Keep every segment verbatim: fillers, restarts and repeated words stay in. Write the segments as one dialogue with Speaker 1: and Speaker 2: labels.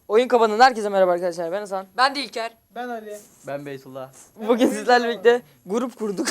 Speaker 1: Oyun kapanın. Herkese merhaba arkadaşlar. Ben Hasan.
Speaker 2: Ben de İlker.
Speaker 3: Ben Ali.
Speaker 4: Ben Beytullah.
Speaker 1: Bugün sizlerle birlikte grup kurduk.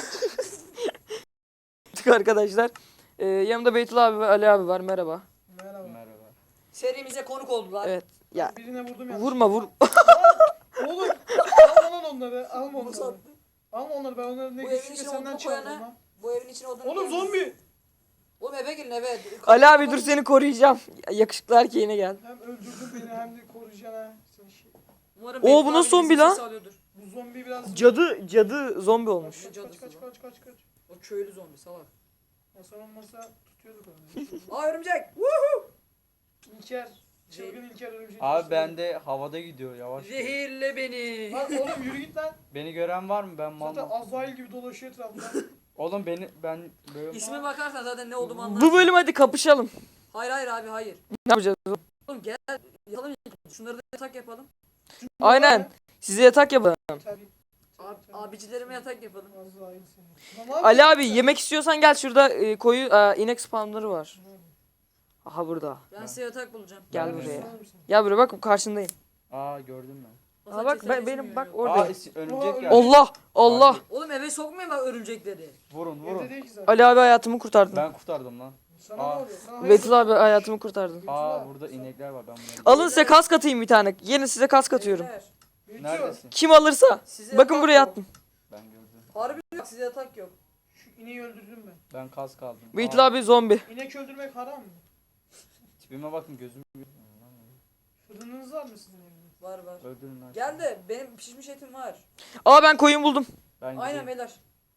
Speaker 1: Arkadaşlar. Ee, yanımda Beytullah abi ve Ali abi var. Merhaba.
Speaker 3: Merhaba.
Speaker 4: Merhaba.
Speaker 2: Serimize konuk oldular.
Speaker 1: Evet. Ya
Speaker 3: Birine vurdum ya.
Speaker 1: vurma vur.
Speaker 3: Oğlum alma lan onları. Alma onları. Alma onları, ben onları ne
Speaker 2: Bu evin
Speaker 3: güçlükle
Speaker 2: içine
Speaker 3: senden
Speaker 2: odun
Speaker 3: çaldım
Speaker 2: koyana-
Speaker 3: ha.
Speaker 2: Bu evin içine odun
Speaker 3: Oğlum
Speaker 2: koyuyoruz.
Speaker 3: zombi.
Speaker 2: Oğlum eve girin eve.
Speaker 1: Ali abi dur seni koruyacağım. Yakışıklı erkeğine gel.
Speaker 3: Hem öldürdün beni hem de koruyacaksın ha. Sen şey.
Speaker 2: Umarım
Speaker 1: Oo,
Speaker 2: Beytullah
Speaker 1: bu
Speaker 2: abi
Speaker 1: nasıl zombi
Speaker 2: bizi
Speaker 1: lan?
Speaker 2: sesi alıyordur.
Speaker 3: Bu zombi biraz...
Speaker 1: Cadı cadı zombi olmuş.
Speaker 3: Kaç kaç kaç kaç kaç kaç.
Speaker 2: O köylü zombi salak.
Speaker 3: Hasan olmasa tutuyorduk onu.
Speaker 2: Aa örümcek. Woohoo!
Speaker 3: İlker. Çılgın İlker örümceği.
Speaker 4: Abi ben de havada gidiyor yavaş.
Speaker 2: Zehirle beni.
Speaker 3: Lan oğlum yürü git lan.
Speaker 4: Beni gören var mı? Ben mal.
Speaker 3: Zaten Azrail gibi dolaşıyor etrafta.
Speaker 4: Oğlum beni ben böyle
Speaker 2: İsme bakarsan zaten ne olduğumu anlarsın.
Speaker 1: Bu bölüm hadi kapışalım.
Speaker 2: Hayır hayır abi hayır.
Speaker 1: Ne yapacağız?
Speaker 2: Oğlum gel yatalım. Şunları da yatak yapalım.
Speaker 1: Aynen. Size yatak yapalım.
Speaker 3: Tabii.
Speaker 2: Abi, abicilerime yatak yapalım.
Speaker 3: Azrail seni. Lan
Speaker 1: Ali abi yemek istiyorsan gel, şurada e, koyu e, inek spamları var. Aha burada.
Speaker 2: Ben
Speaker 4: Ben-
Speaker 2: size yatak bulacağım.
Speaker 1: Gel
Speaker 4: Ben-
Speaker 1: buraya.
Speaker 3: Sorar mısın?
Speaker 1: Gel buraya, bak karşındayım.
Speaker 4: Aa gördüm ben.
Speaker 1: Aa bak ben, benim bak
Speaker 4: Aa
Speaker 1: orada.
Speaker 4: isi- örümcek
Speaker 3: Aa,
Speaker 4: geldi.
Speaker 1: Allah Allah.
Speaker 4: Abi,
Speaker 2: Oğlum eve sokmayın bak örümcekleri.
Speaker 4: Vurun
Speaker 3: Evde
Speaker 4: vurun.
Speaker 3: değil ki zaten.
Speaker 1: Ali abi hayatımı kurtardın.
Speaker 4: Ben kurtardım lan.
Speaker 3: Sana
Speaker 4: Aa.
Speaker 3: ne oluyor? Sana hayır-
Speaker 1: Beytullah abi hayatımı kurtardın.
Speaker 4: Aa burada inekler var, ben bunları.
Speaker 1: Alın size kask atayım bir tane. Yeni size kask atıyorum.
Speaker 2: Beyler,
Speaker 3: Beytu,
Speaker 4: Neredesin?
Speaker 1: Kim alırsa.
Speaker 2: size
Speaker 1: Bakın
Speaker 2: yatak
Speaker 1: buraya
Speaker 2: yok.
Speaker 1: attım.
Speaker 4: Ben gördüm.
Speaker 2: Harbi yok size yatak yok.
Speaker 3: Şu ineği öldürdüm ben.
Speaker 4: Ben kas kaldım.
Speaker 1: Beytullah
Speaker 4: Aa,
Speaker 1: abi zombi.
Speaker 3: İnek öldürmek haram mı?
Speaker 4: tipime bakın, gözüm.
Speaker 3: Fırınınız var mı sizin evde?
Speaker 2: Var var.
Speaker 4: Öldürün lan.
Speaker 2: Gel de benim pişmiş etim var.
Speaker 1: Aa ben koyun buldum.
Speaker 4: Ben
Speaker 2: Aynen
Speaker 4: gideyim.
Speaker 2: beyler.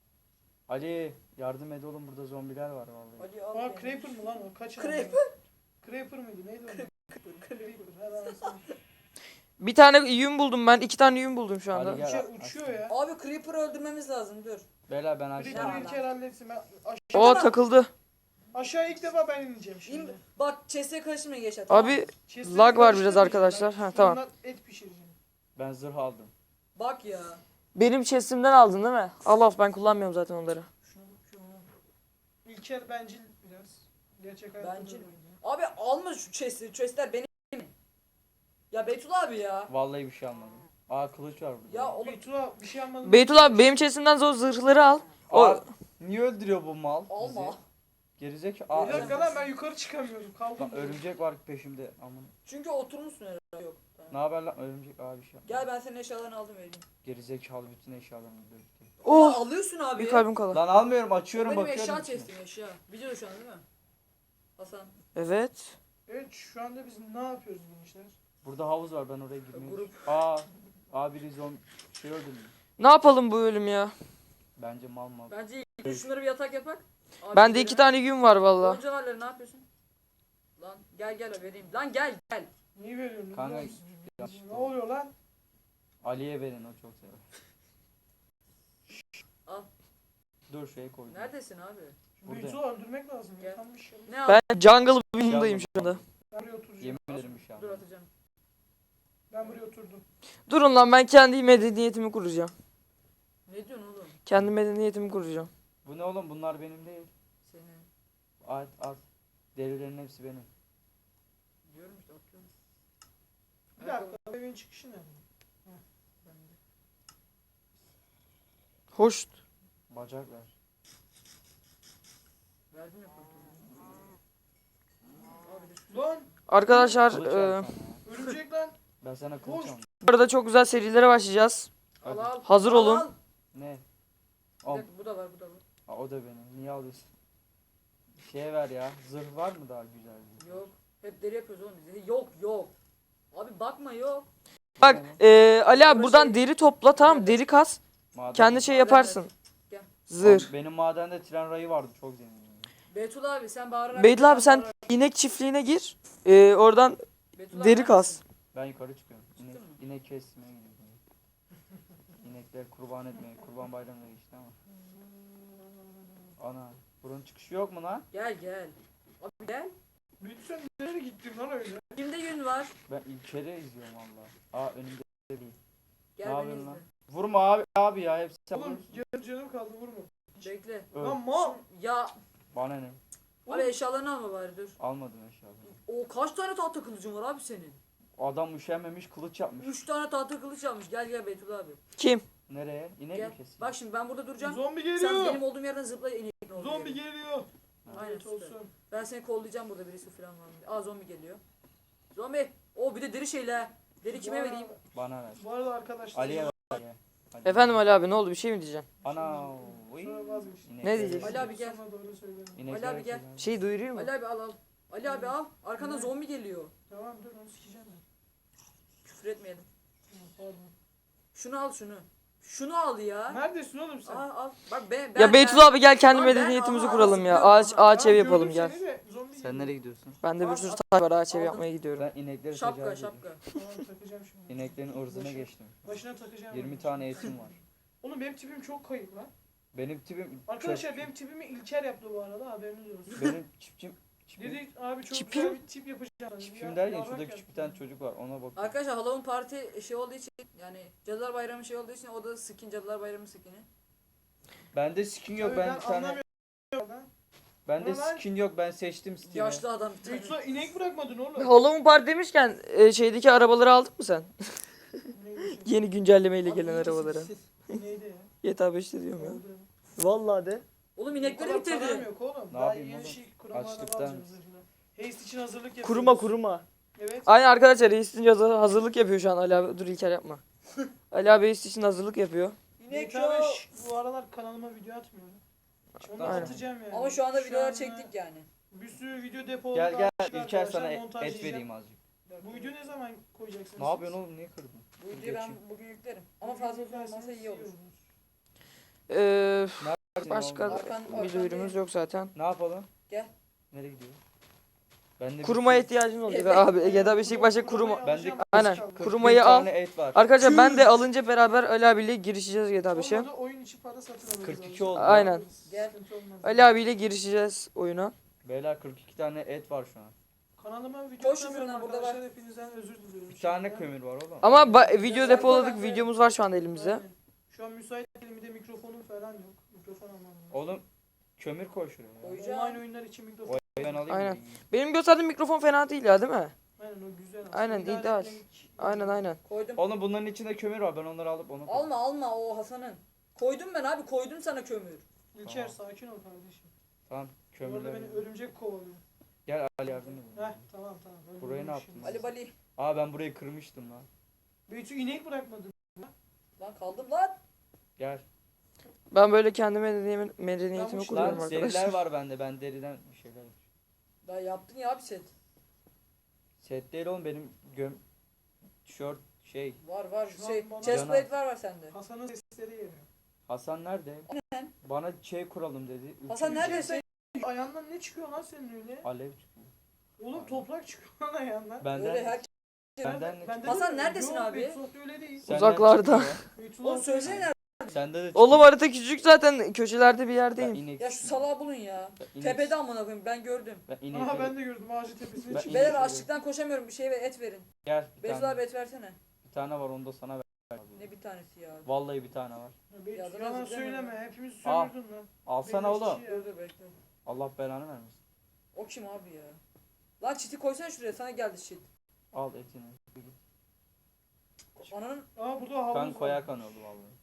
Speaker 4: Ali yardım et oğlum, burada zombiler var vallahi.
Speaker 2: Hadi al.
Speaker 3: Aa
Speaker 2: beni.
Speaker 3: Creeper mı lan o? Kaç
Speaker 2: Creeper?
Speaker 3: Creeper mıydı? Neydi o? Creeper. Her anasını.
Speaker 1: Bir tane yün buldum ben. iki tane yün buldum şu anda.
Speaker 4: Ali gel.
Speaker 3: Uçuyor, uçuyor ya.
Speaker 2: Abi Creeper'ı öldürmemiz lazım dur.
Speaker 4: Beyler ben aşağı.
Speaker 3: Creeper'ı
Speaker 2: Ya.
Speaker 3: İlker halletsin. Ben aşağı,
Speaker 1: Oo takıldı.
Speaker 3: aşağı ilk defa ben ineceğim
Speaker 2: İn,
Speaker 3: şimdi.
Speaker 2: bak chest'e karışmaya geç at.
Speaker 1: Abi
Speaker 3: Chest'leri
Speaker 1: lag var biraz
Speaker 3: karıştırmayacağım
Speaker 1: arkadaşlar.
Speaker 3: ben.
Speaker 1: Ha, tamam.
Speaker 3: Fırından et pişireceğim.
Speaker 4: Ben zırh aldım.
Speaker 2: Bak ya.
Speaker 1: benim chestimden aldın değil mi? Al al, ben kullanmıyorum zaten onları.
Speaker 2: Şuna bak şuna.
Speaker 3: İlker bencil biraz. Gerçek hayatta
Speaker 2: Bencil
Speaker 3: böyle.
Speaker 2: mi? Abi alma şu chest'i. Chest'ler benim. Ya Beytullah abi ya.
Speaker 4: Vallahi bir şey almadım. Aa kılıç var burada.
Speaker 2: Ya oğlum
Speaker 3: Beytullah bir şey almadın.
Speaker 1: Beytullah abi benim chestimden o zırhları al. O
Speaker 4: Aa, niye öldürüyor bu mal?
Speaker 2: alma.
Speaker 4: bizi? Gerizek.
Speaker 3: Bir
Speaker 4: Aa
Speaker 3: dakika lan, ben yukarı çıkamıyorum. Kaldım.
Speaker 4: lan, örümcek var peşimde. Aman.
Speaker 2: Çünkü oturmuşsun herhalde yok. Tamam.
Speaker 4: Ne haber lan örümcek abi, şey.
Speaker 2: Gel ben senin eşyalarını aldım vereyim.
Speaker 4: Gerizekalı, bütün eşyalarımı birlikte.
Speaker 2: Oh.
Speaker 1: oh
Speaker 2: Alıyorsun abi.
Speaker 1: bir kalbim kala.
Speaker 4: Lan almıyorum, açıyorum,
Speaker 2: Benim
Speaker 4: bakıyorum.
Speaker 2: eşya
Speaker 4: içine.
Speaker 2: chest'im eşya. Biliyor şu an değil mi? Hasan.
Speaker 1: Evet.
Speaker 3: Evet, şu anda biz ne yapıyoruz gençler?
Speaker 4: Burada havuz var, ben oraya girmeye.
Speaker 2: Grup.
Speaker 4: Aa. Aa biri zombi şey öldürmüş.
Speaker 1: Ne yapalım bu bölüm ya?
Speaker 4: Bence mal mal.
Speaker 2: Bence ilk şunları bir yatak yapak. Abi
Speaker 1: Bende iki tane yün var valla.
Speaker 2: Goncalarla ne yapıyorsun? Lan gel gel vereyim. Lan gel gel.
Speaker 3: Niye veriyorsun?
Speaker 4: Kanka,
Speaker 3: biliyor musun? Ne oluyor lan?
Speaker 4: Ali'ye verin, o çok sever.
Speaker 2: Al.
Speaker 4: Dur şeye koydum.
Speaker 2: Neredesin abi?
Speaker 3: Şu
Speaker 4: Burada.
Speaker 3: Beytullah öldürmek lazım.
Speaker 2: Gel.
Speaker 3: Yatanmış ya.
Speaker 2: Ne al?
Speaker 1: Ben jungle bölümündeyim şu anda.
Speaker 3: Ben buraya oturacağım.
Speaker 4: Yemin ederim bir şey
Speaker 2: Dur
Speaker 4: almadım.
Speaker 2: atacağım.
Speaker 3: Ben buraya oturdum.
Speaker 1: Durun lan, ben kendi medeniyetimi kuracağım.
Speaker 2: Ne diyorsun oğlum?
Speaker 1: Kendi medeniyetimi kuracağım.
Speaker 4: Bu ne oğlum, bunlar benim değil.
Speaker 2: Senin.
Speaker 4: At at. Derilerin hepsi benim.
Speaker 2: Diyorum işte atıyorum.
Speaker 3: Bir dakika, evin çıkışı nerede?
Speaker 1: Hoş.
Speaker 4: Bacak ver.
Speaker 2: Verdim ya pantolonu. Abi dur.
Speaker 3: Lan
Speaker 1: Arkadaşlar
Speaker 4: Kılıç
Speaker 1: e,
Speaker 4: ver sana ya.
Speaker 3: örümcek lan.
Speaker 4: Ben sana kılıç
Speaker 3: Koş.
Speaker 4: aldım.
Speaker 1: bu arada çok güzel serilere başlayacağız.
Speaker 2: Al
Speaker 4: Hadi.
Speaker 2: al.
Speaker 1: Hazır
Speaker 2: Al,
Speaker 1: olun.
Speaker 2: al.
Speaker 4: Ne?
Speaker 2: Bir
Speaker 4: Al.
Speaker 2: dakika, bu da var bu da var.
Speaker 4: Aa, o da benim. Niye alıyorsun? Şeye ver ya. Zırh var mı daha güzel? bir?
Speaker 2: Yok. Hep deri yapıyoruz oğlum biz. Yok yok. Abi bakma yok.
Speaker 1: Bak e, Ali abi buradan deri topla, tamam, deri kas.
Speaker 4: Maden
Speaker 1: Kendi
Speaker 4: mi?
Speaker 1: şey
Speaker 2: Maden
Speaker 1: yaparsın.
Speaker 2: Gel.
Speaker 1: Zırh.
Speaker 4: Oğlum, benim madende tren rayı vardı, çok zenginim.
Speaker 2: Beytullah abi sen bağırarak.
Speaker 1: Beytullah abi sen
Speaker 2: bağırarak-
Speaker 1: inek çiftliğine gir. E, oradan
Speaker 2: Beytullah
Speaker 1: deri
Speaker 2: abi
Speaker 1: kas.
Speaker 2: neredesin?
Speaker 4: Ben yukarı çıkıyorum. İnek,
Speaker 2: Çıktın mı?
Speaker 4: inek kesmeye gidiyorum. İnekler kurban etmeye. Kurban bayramına geçti ama. Ana. Buranın çıkışı yok mu lan?
Speaker 2: Gel gel. Abi gel.
Speaker 3: Beytu sen nereye gittin lan öyle?
Speaker 2: Kimde yün var?
Speaker 4: Ben İlker'i izliyorum valla. Aa önümde değil.
Speaker 2: Gel
Speaker 4: Ne
Speaker 2: beni
Speaker 4: yapıyorsun
Speaker 2: izle.
Speaker 4: lan? Vurma abi abi ya, hepsi sen
Speaker 3: Oğlum
Speaker 4: vurursun.
Speaker 3: canım, canım kaldı, vurma.
Speaker 2: Bekle.
Speaker 4: Öl.
Speaker 3: Lan mal.
Speaker 2: Ya
Speaker 4: Bana ne?
Speaker 2: abi eşyalarını alma bari dur.
Speaker 4: Almadım eşyalarını.
Speaker 2: O kaç tane tahta kılıcın var abi senin?
Speaker 4: Adam üşenmemiş kılıç yapmış.
Speaker 2: Üç tane tahta kılıç almış. Gel gel Beytullah abi.
Speaker 1: Kim?
Speaker 4: Nereye? İnek
Speaker 2: Gel.
Speaker 4: mi kesin?
Speaker 2: Bak şimdi ben burada duracağım.
Speaker 3: Zombi
Speaker 2: Sen
Speaker 3: geliyor.
Speaker 2: benim olduğum yerden zıpla ineğin olduğu
Speaker 3: Zombi
Speaker 2: yere.
Speaker 3: geliyor.
Speaker 2: Aynen
Speaker 3: Evet,
Speaker 2: süper.
Speaker 3: olsun.
Speaker 2: Ben seni kollayacağım burada birisi falan var mı diye. Aa zombi geliyor. Zombi. O bir de deri şeyle. Deri kime
Speaker 3: Bu
Speaker 2: vereyim?
Speaker 3: arada-
Speaker 4: Bana ver.
Speaker 3: Bu arada arkadaşlar.
Speaker 4: Ali'ye ver. Ali'ye. Ali.
Speaker 1: Efendim Ali abi ne oldu bir şey mi diyeceksin?
Speaker 4: Ana. uy.
Speaker 3: Sonra vazgeçtim.
Speaker 4: İnek
Speaker 1: Ne
Speaker 4: ver.
Speaker 1: diyeceksin?
Speaker 2: Ali abi gel.
Speaker 3: Sonra doğru söylerim.
Speaker 4: İnek
Speaker 2: Ali abi
Speaker 4: ver
Speaker 2: gel.
Speaker 4: kızım.
Speaker 1: Bir şey duyuruyor mu?
Speaker 2: Ali abi al al. Ali abi al. Arkandan zombi geliyor.
Speaker 3: Tamam dur onu sikeceğim ben.
Speaker 2: Küfür etmeyelim.
Speaker 3: Ha, Pardon.
Speaker 2: Şunu al şunu. Şunu al ya.
Speaker 3: Neredesin oğlum sen?
Speaker 2: Al al. Bak ben ben.
Speaker 1: Ya Beytullah abi gel kendi
Speaker 2: Lan ben-
Speaker 1: medeniyetimizi
Speaker 2: Aha,
Speaker 1: kuralım ya.
Speaker 2: sıkıyorum.
Speaker 1: Ağaç ağaç
Speaker 3: Tamam,
Speaker 1: ev yapalım
Speaker 3: gördüm
Speaker 1: gel.
Speaker 3: seni de, zombi
Speaker 4: Sen
Speaker 3: geliyor.
Speaker 4: nereye gidiyorsun?
Speaker 1: Bende bir
Speaker 2: Al,
Speaker 1: sürü
Speaker 2: al.
Speaker 1: taş var ağaç ev
Speaker 2: Aldım.
Speaker 1: yapmaya gidiyorum.
Speaker 4: Ben inekleri
Speaker 2: Şapka
Speaker 4: tecavüz
Speaker 2: şapka.
Speaker 3: Tamam takacağım şimdi.
Speaker 4: İneklerin ırzına
Speaker 3: Başına-
Speaker 4: geçtim.
Speaker 3: Başına takacağım.
Speaker 4: yirmi
Speaker 3: ben.
Speaker 4: tane etim var.
Speaker 3: Oğlum benim tipim çok kayıp lan.
Speaker 4: Benim tipim
Speaker 3: Arkadaşlar
Speaker 4: çok-
Speaker 3: benim tipimi İlker yaptı bu arada haberiniz olsun.
Speaker 4: benim çipçim çipim,
Speaker 3: Dedi abi çok
Speaker 1: Çipim?
Speaker 3: güzel bir tip yapacağım.
Speaker 4: çipim
Speaker 3: Ya-
Speaker 4: derken
Speaker 3: yarrak
Speaker 4: şurada
Speaker 3: yaptı.
Speaker 4: küçük bir tane çocuk var ona bak.
Speaker 2: Arkadaşlar Halloween parti şey olduğu için yani Cadılar Bayramı şey olduğu için o da skin Cadılar Bayramı skin'i.
Speaker 4: Bende skin yok
Speaker 3: Tabii
Speaker 4: ben
Speaker 3: ben
Speaker 4: bir tane.
Speaker 3: anlamıyorum lan.
Speaker 4: Bende
Speaker 3: Ama ben-
Speaker 4: skin yok ben seçtim Steam'i.
Speaker 2: Yaşlı adam bir tane.
Speaker 3: Yoksa inek bırakmadın oğlum.
Speaker 1: Halloween Park demişken e, şeydeki arabaları aldın mı sen?
Speaker 3: Neydi?
Speaker 1: Yeni güncellemeyle
Speaker 3: Abi
Speaker 1: gelen
Speaker 3: iyi misin?
Speaker 1: arabaları.
Speaker 3: Neydi ya?
Speaker 1: G T A beşte diyorum ya.
Speaker 3: Oldu.
Speaker 1: Vallahi de.
Speaker 2: Oğlum
Speaker 3: O
Speaker 2: inekleri
Speaker 3: kadar param
Speaker 2: bitirdi.
Speaker 3: yok oğlum.
Speaker 4: Ne
Speaker 3: Daha
Speaker 4: yapayım
Speaker 3: yeni
Speaker 4: oğlum?
Speaker 3: şey kurama araba
Speaker 4: Açlıktan.
Speaker 3: alacağım zırhına. Haste için hazırlık yapıyoruz.
Speaker 1: Kuruma kuruma.
Speaker 3: Evet.
Speaker 1: Aynen arkadaşlar Reis için hazır- hazırlık yapıyor şu an Ali abi. Dur İlker yapma. Ali abi Reis için hazırlık yapıyor.
Speaker 2: İnek
Speaker 3: G T A
Speaker 2: yok.
Speaker 3: beş bu aralar kanalıma video atmıyorum. Onu
Speaker 1: Aynen.
Speaker 3: atacağım yani.
Speaker 2: Ama şu anda videolar
Speaker 3: anda
Speaker 2: çektik yani.
Speaker 3: Bir sürü video depoladık.
Speaker 4: Gel gel
Speaker 3: attık
Speaker 4: İlker
Speaker 3: arkadaşlar,
Speaker 4: sana et
Speaker 3: montajlayacağım.
Speaker 4: vereyim azıcık.
Speaker 3: Bu video ne zaman koyacaksınız?
Speaker 4: Ne yapıyorsun oğlum niye kırdın?
Speaker 2: Bu videoyu ben bugün yüklerim. Ama fazla uzun olmasa iyi olur.
Speaker 1: Ee,
Speaker 4: Neredesin
Speaker 1: başka
Speaker 4: oğlum?
Speaker 2: Arkan-
Speaker 1: bir
Speaker 2: arkan
Speaker 1: duyurumuz
Speaker 2: değil.
Speaker 1: yok zaten.
Speaker 4: Ne yapalım?
Speaker 2: Gel.
Speaker 4: Nereye gidiyor? Ben de bir
Speaker 1: Kurumaya
Speaker 4: sürü-
Speaker 1: ihtiyacın oluyor abi. G T A beş ilk başta kuruma.
Speaker 4: Bende
Speaker 1: Aynen.
Speaker 4: kırk bir
Speaker 1: Kurumayı al.
Speaker 4: tane et var.
Speaker 1: Arkadaşlar ben de alınca beraber Ali abiyle girişeceğiz G T A beşe.
Speaker 3: Olmadı oyun içi para satın alırız.
Speaker 4: kırk iki
Speaker 3: abi.
Speaker 4: oldu.
Speaker 1: Aynen.
Speaker 2: Gel.
Speaker 3: Sıkıntı olmaz.
Speaker 1: Ali abiyle girişeceğiz oyuna.
Speaker 4: Beyler kırk iki tane et var şu an.
Speaker 3: Kanalıma video
Speaker 2: Koş
Speaker 3: atamıyorum
Speaker 2: şuradan, burada
Speaker 3: arkadaşlar.
Speaker 2: var.
Speaker 3: Hepinizden özür diliyorum.
Speaker 4: Bir tane
Speaker 3: şimdiden.
Speaker 4: kömür var oğlum.
Speaker 1: Ama ba- video
Speaker 2: Güzel
Speaker 1: depoladık.
Speaker 2: bak.
Speaker 1: Videomuz var şu anda elimizde.
Speaker 3: Aynen. Şu an müsait değilim, bir de mikrofonum falan yok. Mikrofon almam lazım.
Speaker 4: Oğlum kömür koy şuraya. ya.
Speaker 2: Koyacağım.
Speaker 3: Online oyunlar için mikrofon.
Speaker 4: O ben alayım.
Speaker 1: Aynen.
Speaker 4: mı?
Speaker 1: Benim gösterdiğim mikrofon fena değil ya değil mi?
Speaker 3: Aynen o güzel. aslında.
Speaker 1: Aynen,
Speaker 3: İdare
Speaker 1: ideal.
Speaker 3: etmek-
Speaker 1: Aynen aynen.
Speaker 2: Koydum.
Speaker 4: Oğlum bunların içinde kömür var ben onları alıp onu koy.
Speaker 2: Alma alma o Hasan'ın. Koydum ben abi koydum sana kömür.
Speaker 3: İlker
Speaker 4: Tamam.
Speaker 3: sakin ol kardeşim.
Speaker 4: Tamam
Speaker 3: Bu arada
Speaker 4: kömürler.
Speaker 3: beni örümcek kovalıyor.
Speaker 4: Gel Ali yardım et.
Speaker 3: Heh tamam tamam. Öyle
Speaker 4: Burayı ne
Speaker 3: olmuş
Speaker 4: yaptın?
Speaker 3: şimdi.
Speaker 2: Ali Bali.
Speaker 4: Aa ben burayı kırmıştım lan.
Speaker 3: Beytü inek bırakmadın.
Speaker 2: Lan kaldım lan.
Speaker 4: Gel.
Speaker 1: Ben böyle kendi medeniyetimi, medeniyetimi
Speaker 3: Ben bu-
Speaker 1: kuruyorum
Speaker 4: Lan deriler
Speaker 1: arkadaşlar.
Speaker 4: var bende ben deriden bir şeyler.
Speaker 2: Daha yaptın ya bir set.
Speaker 4: Set değil oğlum benim göm tişört şey.
Speaker 2: Var var
Speaker 3: Şu an
Speaker 2: şey.
Speaker 3: bana-
Speaker 2: Chestplate var var sende.
Speaker 3: Hasan'ın sesleri geliyor.
Speaker 4: Hasan nerede?
Speaker 2: Aynen.
Speaker 4: Bana şey kuralım dedi.
Speaker 2: Hasan
Speaker 4: Üçüncü-
Speaker 2: neredesin?
Speaker 3: Ayağından ne çıkıyor lan senin öyle?
Speaker 4: Alev çıkıyor.
Speaker 3: Oğlum toprak çıkıyor lan ayağından.
Speaker 4: Benden
Speaker 2: Öyle her
Speaker 4: benden ne
Speaker 3: Bende de
Speaker 2: Hasan
Speaker 3: öyle.
Speaker 2: neredesin
Speaker 3: Yok,
Speaker 2: abi?
Speaker 3: Beytu'da öyle değil.
Speaker 4: Senden
Speaker 1: Uzaklarda.
Speaker 4: çıkmıyor.
Speaker 3: Beytu'da
Speaker 2: Oğlum söylesene nerede?
Speaker 4: Sende de
Speaker 1: Oğlum
Speaker 4: çıkıyor.
Speaker 1: harita küçük zaten köşelerde bir
Speaker 4: Ben
Speaker 1: yerdeyim.
Speaker 4: inek
Speaker 2: Ya şu
Speaker 4: istiyorum.
Speaker 2: salağı bulun ya.
Speaker 4: Ben inek-
Speaker 2: Tepede amına koyayım ben gördüm.
Speaker 4: Ben
Speaker 3: Aha
Speaker 4: inekleri-
Speaker 3: ben de gördüm ağacın tepesine
Speaker 4: Ben
Speaker 3: çıktı.
Speaker 2: Beyler
Speaker 4: inek-
Speaker 2: açlıktan koşamıyorum bir şey ve et verin.
Speaker 4: Gel bir
Speaker 2: Beyzul
Speaker 4: tane.
Speaker 2: abi et versene.
Speaker 4: Bir tane var onu da sana ver.
Speaker 2: Ne bir tanesi ya.
Speaker 4: Vallahi bir tane var.
Speaker 3: Ya Beytu,
Speaker 2: Ya dur,
Speaker 3: yalan
Speaker 2: özür
Speaker 3: söyleme
Speaker 2: dilerim.
Speaker 3: hepimiz
Speaker 4: Al.
Speaker 3: sömürdün lan.
Speaker 4: Alsana
Speaker 3: Beş
Speaker 4: oğlum.
Speaker 3: kişi ya.
Speaker 2: Dur dur bekle.
Speaker 4: Allah belanı vermesin.
Speaker 2: O kim abi ya? Lan çiti koysana şuraya sana geldi çit.
Speaker 4: Al etini.
Speaker 2: Ananın
Speaker 3: Aa burada havuz
Speaker 4: Kan
Speaker 3: var.
Speaker 4: koya kan oldu vallahi.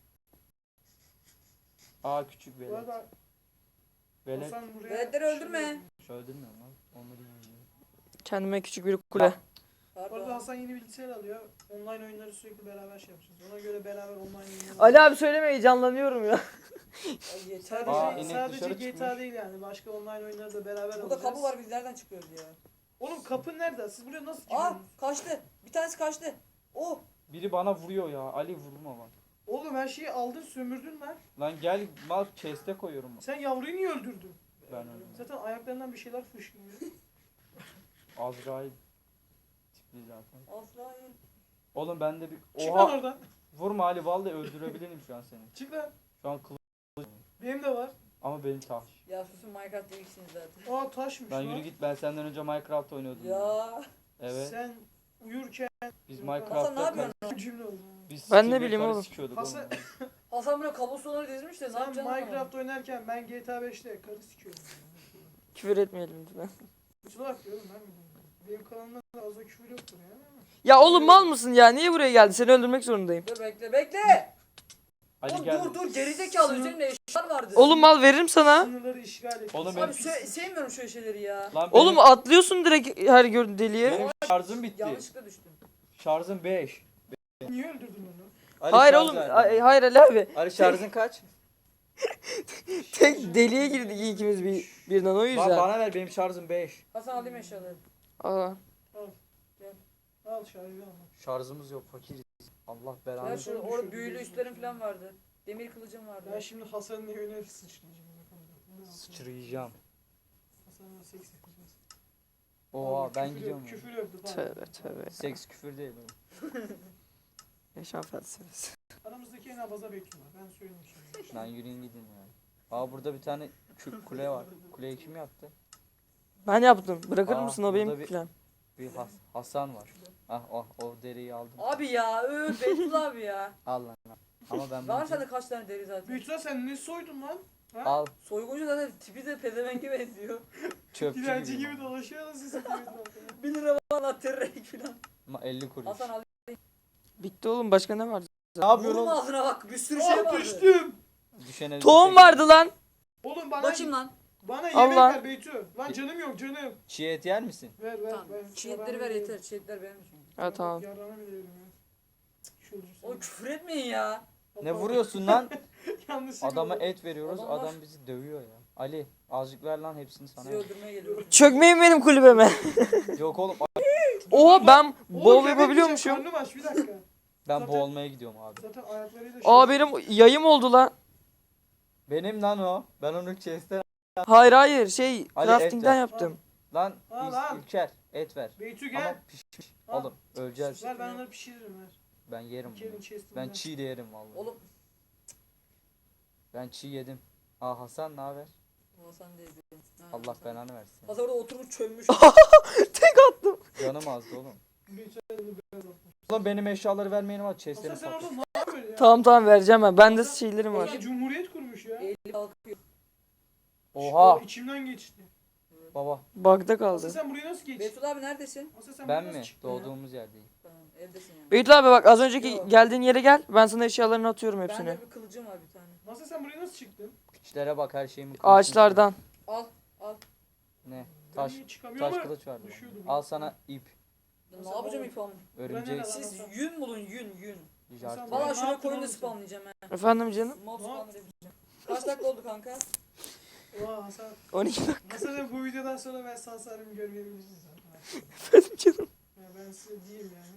Speaker 4: Aa küçük
Speaker 3: Bu
Speaker 4: velet.
Speaker 3: arada
Speaker 4: Velet.
Speaker 3: Hasan buraya...
Speaker 2: veletleri öldürme.
Speaker 4: Öldürmüyorum lan. Onları yiyor.
Speaker 1: Kendime küçük bir kule.
Speaker 3: Bu arada
Speaker 2: Pardon.
Speaker 3: Hasan yeni bilgisayar alıyor. Online oyunları sürekli beraber şey yapacağız. Ona göre beraber online oyunları...
Speaker 1: Ali abi söyleme heyecanlanıyorum ya.
Speaker 2: Ay yeter
Speaker 3: Sadece,
Speaker 4: Aa,
Speaker 2: ya.
Speaker 4: inek
Speaker 3: sadece
Speaker 4: dışarı
Speaker 3: G T A
Speaker 4: çıkmış.
Speaker 3: değil yani. Başka online oyunları da beraber
Speaker 2: Burada
Speaker 3: alacağız.
Speaker 2: kapı var biz nereden çıkıyoruz ya?
Speaker 3: Oğlum kapı nerede? Siz buraya nasıl
Speaker 2: Aa
Speaker 3: giriyorsunuz?
Speaker 2: kaçtı. Bir tanesi kaçtı. Oh.
Speaker 4: Biri bana vuruyor ya. Ali vurma bak.
Speaker 3: Oğlum her şeyi aldın sömürdün lan.
Speaker 4: Lan gel mal chest'e koyuyorum.
Speaker 3: Sen yavruyu niye öldürdün?
Speaker 4: Ben öldüm.
Speaker 3: Zaten ayaklarından bir şeyler fışkırıyor.
Speaker 4: Azrail tipli zaten.
Speaker 2: Azrail.
Speaker 4: Oğlum ben de bir...
Speaker 3: Çık lan
Speaker 4: Oha!
Speaker 3: oradan.
Speaker 4: Vurma Ali vallahi öldürebilirim şu an seni.
Speaker 3: Çık lan.
Speaker 4: Şu an kılıç
Speaker 3: Benim de var.
Speaker 4: ama benim taş.
Speaker 2: Ya susun Minecraft değilsiniz zaten.
Speaker 3: Aa taşmış
Speaker 4: Ben
Speaker 3: lan.
Speaker 4: yürü git ben senden önce Minecraft oynuyordum.
Speaker 2: Ya.
Speaker 4: Evet.
Speaker 3: Sen uyurken
Speaker 4: Biz
Speaker 2: Hasan ne
Speaker 4: Minecraft'ta
Speaker 2: yapıyorsun?
Speaker 3: bu cümle oldu.
Speaker 4: biz
Speaker 1: Ben ne
Speaker 4: sikimle
Speaker 1: bileyim
Speaker 4: karı
Speaker 1: oğlum.
Speaker 4: sikiyorduk
Speaker 3: Hasan-
Speaker 4: oğlum.
Speaker 2: Hasan buraya kablostoneları dizmiş de ne
Speaker 3: Sen
Speaker 2: yapacaksın?
Speaker 3: Minecraft oynarken ben G T A beşte karı sikiyorum.
Speaker 1: Küfür etmeyelim lütfen.
Speaker 3: Kutula diyorum ben mi? Benim kanalımda da az da küfür yoktur ya.
Speaker 1: Ya oğlum mal mısın ya? Niye buraya geldi? Seni öldürmek zorundayım.
Speaker 2: Dur bekle bekle.
Speaker 4: Ali
Speaker 2: Oğlum
Speaker 4: gel.
Speaker 2: dur dur gerizekalı üzerinde eşyalar vardı.
Speaker 1: Oğlum mal veririm sana.
Speaker 3: Sınırları işgal et.
Speaker 4: Oğlum
Speaker 2: Abi
Speaker 4: benim,
Speaker 2: se- sevmiyorum şöyle şeyleri ya.
Speaker 4: lan
Speaker 1: Oğlum
Speaker 4: benim,
Speaker 1: atlıyorsun direkt her gördüğün deliğe.
Speaker 4: benim şarjım bitti.
Speaker 2: Yanlışlıkla düştüm.
Speaker 4: Şarjım beş.
Speaker 3: Niye öldürdün onu?
Speaker 4: Ali
Speaker 1: Hayır
Speaker 4: şarj
Speaker 1: oğlum.
Speaker 4: verdi.
Speaker 1: ay- Hayır Ali abi.
Speaker 4: Ali şarjın kaç?
Speaker 1: Tek deliğe girdik ikimiz bir, birden o
Speaker 4: Ba-
Speaker 1: yüzden.
Speaker 4: bana ver, benim şarjım beş.
Speaker 2: Hasan alayım eşyaları.
Speaker 1: Aa.
Speaker 3: Al şahidi al.
Speaker 4: Şarjımız yok, fakiriz. Allah
Speaker 2: Ya
Speaker 4: belanı.
Speaker 2: şu orada büyülü üstlerim falan vardı. Demir kılıcım vardı.
Speaker 3: Ben şimdi Hasan'ın evine sıçrayacağım.
Speaker 4: Sıçrayacağım.
Speaker 3: Hasan'la seks yapacağız.
Speaker 4: Oha
Speaker 3: Abi,
Speaker 4: ben
Speaker 3: küfür
Speaker 4: gidiyorum.
Speaker 3: yok,
Speaker 4: ya.
Speaker 3: Küfür yoktu falan.
Speaker 1: Tövbe tövbe.
Speaker 4: Seks küfür değil oğlum.
Speaker 1: Yaşam felsefesi.
Speaker 3: Aramızdaki en abaza bekliyorlar. Ben söyleyeyim şimdi.
Speaker 4: Lan yürüyün gidin ya. Aa burada bir tane kü- kule var. Kuleyi kim yaptı?
Speaker 1: Ben yaptım. Bırakır
Speaker 4: Aa,
Speaker 1: mısın o
Speaker 4: burada
Speaker 1: benim
Speaker 4: bir-
Speaker 1: plan.
Speaker 4: Bir Has- Hasan var. Ah oh, o deriyi aldım.
Speaker 2: Abi ya öf Beytullah abi ya.
Speaker 4: Al lan. Ama ben
Speaker 2: Var
Speaker 4: bunu-
Speaker 2: sende kaç tane deri zaten.
Speaker 3: Büyütüler sen ne soydun lan? Ha?
Speaker 4: al
Speaker 2: Soyguncu zaten tipi de pezevenge benziyor.
Speaker 4: çöpçü
Speaker 3: Dilenci
Speaker 4: gibi.
Speaker 3: gibi dolaşıyor da sizi koyuyorlar.
Speaker 2: bir lira bana terrek falan.
Speaker 4: Ama elli kuruş.
Speaker 2: Hasan al.
Speaker 1: Bitti oğlum başka ne vardı?
Speaker 4: Ne yapıyorsun
Speaker 2: Vurma
Speaker 4: oğlum?
Speaker 2: ağzına bak bir sürü şey
Speaker 3: Ah
Speaker 2: vardı.
Speaker 3: düştüm.
Speaker 4: Düşene
Speaker 1: Tohum
Speaker 4: düşene-
Speaker 1: vardı lan.
Speaker 3: Oğlum bana
Speaker 2: Bakayım lan.
Speaker 3: bana yemek
Speaker 1: Allah.
Speaker 3: ver Beytü. Lan canım yok canım.
Speaker 4: Çiğ et yer misin?
Speaker 3: Ver ver
Speaker 2: Tamam.
Speaker 3: ver.
Speaker 2: Çiğitleri ver yeter. Çiğitler benim için.
Speaker 1: Ha tamam.
Speaker 3: Yarana bile yerim ya. Şu olursa.
Speaker 2: Oğlum küfür etmeyin ya.
Speaker 4: Ne vuruyorsun lan?
Speaker 3: Yanlışlıkla
Speaker 4: Adama
Speaker 3: oldu.
Speaker 4: et veriyoruz,
Speaker 2: Adamlar-
Speaker 4: adam bizi dövüyor ya. Ali azıcık ver lan hepsini sana.
Speaker 2: Sizi öldürmeye geliyorum.
Speaker 1: Çökmeyin benim kulübeme.
Speaker 4: Yok oğlum
Speaker 1: Oha ben
Speaker 3: Oğlum,
Speaker 1: bol
Speaker 3: yemek
Speaker 1: yapabiliyormuşum.
Speaker 3: yiyeceğim, Karnım aç bir dakika.
Speaker 4: ben
Speaker 3: Zaten-
Speaker 4: boğulmaya gidiyorum abi.
Speaker 3: Zaten ayaklarıyla
Speaker 1: Aa benim yayım oldu lan.
Speaker 4: Benim lan o. Ben onu chest'ten
Speaker 1: Hayır hayır şey
Speaker 4: Ali,
Speaker 1: crafting'den
Speaker 4: et ver.
Speaker 1: yaptım.
Speaker 4: lan
Speaker 3: Al,
Speaker 4: İz-
Speaker 3: al.
Speaker 4: İlker et ver.
Speaker 3: Beytü
Speaker 4: Ama
Speaker 3: gel.
Speaker 4: pişmiş.
Speaker 3: Al.
Speaker 4: Oğlum öleceğiz.
Speaker 3: Ver ben onları pişiririm ver.
Speaker 4: Ben yerim bunu.
Speaker 3: İlker'in chest'inden.
Speaker 4: Ben çiğ de yerim vallahi.
Speaker 2: Oğlum
Speaker 4: Ben çiğ yedim. Aa Hasan ne haber?
Speaker 2: Hasan değil. Ha,
Speaker 4: Allah
Speaker 2: Hasan.
Speaker 4: belanı versin.
Speaker 2: Hasan orada oturmuş çömmüş.
Speaker 1: Tek attım.
Speaker 4: Canım azdı oğlum.
Speaker 3: Beytü elini beyaz atmış.
Speaker 4: Ulan benim eşyaları vermeyenim var
Speaker 3: Hasan
Speaker 4: chest'lerini
Speaker 3: sen
Speaker 4: patlat.
Speaker 3: orada ne yapıyorsun ya?
Speaker 1: Tamam tamam vereceğim ben. Bende şeylerim var.
Speaker 3: Hasan Cumhuriyet kurmuş ya.
Speaker 2: Eli kalkıyor.
Speaker 4: Oha
Speaker 3: O içimden geçti.
Speaker 4: baba
Speaker 1: Bug'da
Speaker 3: Hasan
Speaker 1: kaldı.
Speaker 3: sen buraya nasıl geçtin?
Speaker 2: Beytullah abi neredesin?
Speaker 3: Hasan sen
Speaker 4: ben
Speaker 3: buraya nasıl
Speaker 4: mi?
Speaker 3: çıktın ya?
Speaker 4: Doğduğumuz yerdeyim.
Speaker 2: Tamam evdesin yani.
Speaker 1: Beytullah abi bak az önceki
Speaker 2: Yok.
Speaker 1: geldiğin yere gel. Ben sana eşyalarını atıyorum hepsini.
Speaker 2: Bende bir kılıcım var bir tane.
Speaker 3: Hasan sen buraya nasıl çıktın?
Speaker 4: Piçlere bak her şeyimi kılıç
Speaker 1: Ağaçlardan.
Speaker 2: Al al.
Speaker 4: Ne? Taş
Speaker 3: Ben niye çıkamıyorum
Speaker 4: taş
Speaker 3: ama
Speaker 4: kılıç vardı.
Speaker 3: düşüyordum.
Speaker 4: Al sana ip.
Speaker 2: Ya
Speaker 3: Hasan
Speaker 2: ne yapacağım
Speaker 3: oğlum.
Speaker 2: ip alın?
Speaker 4: Örümcek.
Speaker 3: Hasan-
Speaker 2: Siz yün bulun yün yün.
Speaker 3: Hasan-
Speaker 2: Valla
Speaker 3: Ne
Speaker 2: şuraya
Speaker 3: yaptın
Speaker 2: koyun da
Speaker 3: oğlum sen?
Speaker 2: spamlayacağım he.
Speaker 1: Efendim canım?
Speaker 2: Mob
Speaker 3: Ne
Speaker 2: spamlayacağım. Kaç dakika oldu kanka?
Speaker 3: Oha Hasan.
Speaker 1: on iki dakika
Speaker 3: Hasan sen bu videodan sonra ben sağ salim görmeyebilirsin zaten.
Speaker 1: efendim canım.
Speaker 3: Ya ben size diyeyim yani.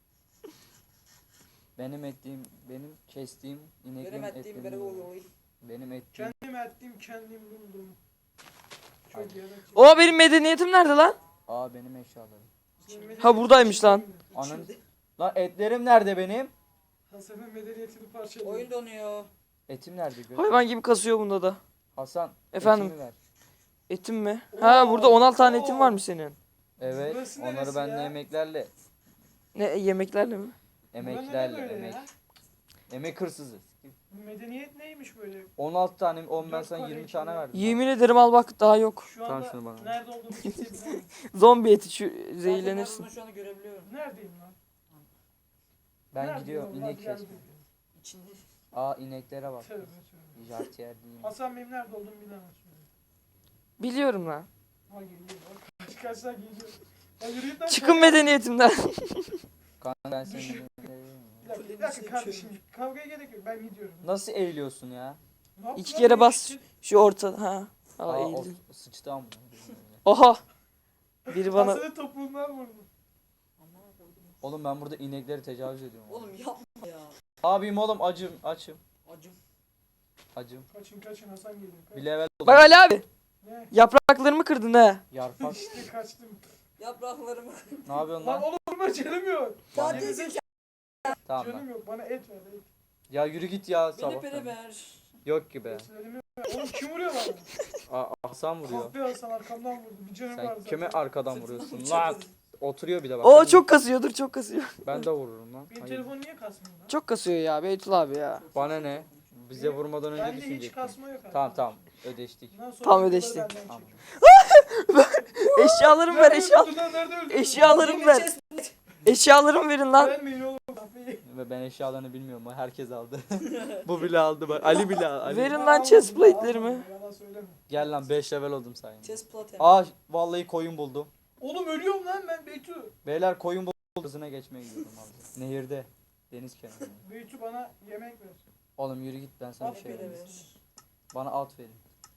Speaker 4: Benim ettiğim, benim kestiğim ineklerin
Speaker 2: Benim ettiğim
Speaker 4: etlerini
Speaker 2: bere
Speaker 4: yiyorum.
Speaker 2: oluyor.
Speaker 4: Benim ettiğim.
Speaker 3: Kendim ettim kendim buldum. Çok
Speaker 4: Aynen.
Speaker 3: yaratıcı.
Speaker 1: O benim medeniyetim nerede lan?
Speaker 4: Aa benim eşyalarım.
Speaker 1: Ha, buradaymış lan.
Speaker 4: Anın. Lan etlerim nerede benim?
Speaker 3: Hasan'ın medeniyetini parçaladı.
Speaker 2: Oyun donuyor.
Speaker 4: Etim nerede? Gör.
Speaker 1: Hayvan gibi kasıyor bunda da.
Speaker 4: Hasan.
Speaker 1: Efendim?
Speaker 4: etimi ver.
Speaker 1: Etim mi? Ha burada on altı tane etim
Speaker 3: Oo.
Speaker 1: var mı senin?
Speaker 4: Evet.
Speaker 3: Burası
Speaker 4: Onları
Speaker 3: neresi
Speaker 4: ben
Speaker 3: ya?
Speaker 4: de emeklerle.
Speaker 1: Ne yemeklerle mi?
Speaker 4: Emeklerle.
Speaker 3: Böyle
Speaker 4: Emek.
Speaker 3: ya.
Speaker 4: Emek hırsızı.
Speaker 3: Bu medeniyet neymiş böyle?
Speaker 4: on altı tane, on ben
Speaker 3: Dört
Speaker 4: sana
Speaker 3: tane
Speaker 4: yirmi
Speaker 3: içinde.
Speaker 4: tane verdim.
Speaker 1: Yemin ederim al bak daha yok.
Speaker 3: Şu
Speaker 4: Tamam,
Speaker 3: anda
Speaker 4: şunu bana.
Speaker 3: nerede olduğumu kimse bilemez.
Speaker 1: Zombi eti şu
Speaker 2: Sadece
Speaker 1: zehirlenirsin.
Speaker 2: ben bunu şu anda görebiliyorum.
Speaker 3: Neredeyim lan?
Speaker 4: Ben
Speaker 3: Neredeyim
Speaker 4: gidiyorum
Speaker 3: oğlum?
Speaker 4: inek
Speaker 3: Hadi gel
Speaker 4: kesmeye.
Speaker 2: İçinde.
Speaker 4: Aa ineklere bak.
Speaker 3: Tövbe tövbe.
Speaker 4: Jartiyer değil.
Speaker 3: Hasan benim nerede olduğumu bilemez.
Speaker 1: Biliyorum lan.
Speaker 3: Ha geliyor bak. Kaç kaçlar geliyor. Ya yürü git lan.
Speaker 1: Çıkın medeniyetimden.
Speaker 4: Kanka ben seni.
Speaker 3: Bir dakika, bir dakika kardeşim. Kavgaya gerek yok. Ben gidiyorum.
Speaker 4: Nasıl eğiliyorsun ya?
Speaker 3: Ne yaptın
Speaker 1: İki
Speaker 3: lan?
Speaker 1: kere
Speaker 3: Benim
Speaker 1: bas.
Speaker 3: için-
Speaker 1: Şu orta ha. Aa,
Speaker 4: Aa, o
Speaker 1: eğildim.
Speaker 4: sıçtı ama.
Speaker 1: Oha. Biri bana
Speaker 3: Hasan'ın topuğundan vurdum.
Speaker 4: Oğlum ben burada inekleri tecavüz ediyorum.
Speaker 2: Oğlum yapma ya.
Speaker 4: Abim oğlum acım açım.
Speaker 2: Acım.
Speaker 4: Acım.
Speaker 3: Kaçın kaçın Hasan geliyor. Kaç.
Speaker 4: Bir level
Speaker 1: Bak Ali abi.
Speaker 3: Ne?
Speaker 1: Yapraklarımı kırdın ha.
Speaker 4: yarpak.
Speaker 3: İşte kaçtım.
Speaker 2: Yapraklarımı.
Speaker 4: Ne yapıyorsun
Speaker 3: Lan
Speaker 4: lan?
Speaker 3: oğlum vurma canım yok.
Speaker 4: Bana-
Speaker 3: Yedi zek-
Speaker 4: Tamam lan.
Speaker 3: Canım yok. Bana et ver et.
Speaker 4: Ya yürü git ya
Speaker 2: Beni
Speaker 4: sabah.
Speaker 2: pere ver.
Speaker 4: Yok ki be.
Speaker 3: Etlerimi ver. Oğlum kim vuruyor bana?
Speaker 4: Aa, Hasan vuruyor.
Speaker 3: Kahpe Hasan arkamdan vurdu. Bir canım var
Speaker 4: Sen
Speaker 3: zaten.
Speaker 4: kime arkadan vuruyorsun
Speaker 2: Sırtımı
Speaker 4: lan?
Speaker 2: bıçakladı.
Speaker 4: Oturuyor bir de bak.
Speaker 1: O çok kasıyor dur çok kasıyor.
Speaker 4: Ben de vururum lan.
Speaker 3: Benim
Speaker 4: Hayır.
Speaker 3: telefon niye kasmıyor lan?
Speaker 1: Çok kasıyor ya Beytul abi ya.
Speaker 4: Bana ne? Bize vurmadan önce
Speaker 3: Bende hiç
Speaker 4: düşünecektin.
Speaker 3: kasma yok.
Speaker 4: Tamam tamam ödeştik.
Speaker 3: Bundan sonra
Speaker 1: Tamam,
Speaker 3: videoları
Speaker 1: ödeştik.
Speaker 3: benden
Speaker 4: Tamam.
Speaker 3: çek.
Speaker 1: Eşyalarımı ver
Speaker 3: Nerede
Speaker 1: eşya.
Speaker 3: öldürdün lan? Nerede öldürdün?
Speaker 1: Eşyalarımı ver. Eşyalarımı verin lan.
Speaker 3: Vermeyin oğlum.
Speaker 4: Ve ben eşyalarını bilmiyorum. Herkes aldı. Bu bile aldı bak. Ali bile aldı. Ali.
Speaker 1: Verin
Speaker 3: Ben
Speaker 1: lan
Speaker 3: almadım,
Speaker 1: chest
Speaker 3: ben
Speaker 1: plate'lerimi.
Speaker 3: almadım, Yalan söyleme.
Speaker 4: Gel lan beş level oldum sayende.
Speaker 2: Chest plate.
Speaker 4: Aa vallahi koyun buldum.
Speaker 3: Oğlum ölüyorum lan ben Beytu.
Speaker 4: Beyler koyun buldum. Hızına geçmeye gidiyorum abi. Nehirde. Deniz kenarında.
Speaker 3: Beytu bana yemek ver.
Speaker 4: Oğlum yürü git ben sana bir
Speaker 3: At
Speaker 4: şey
Speaker 3: beni
Speaker 4: vereyim.
Speaker 2: ver.
Speaker 4: Bana at verin.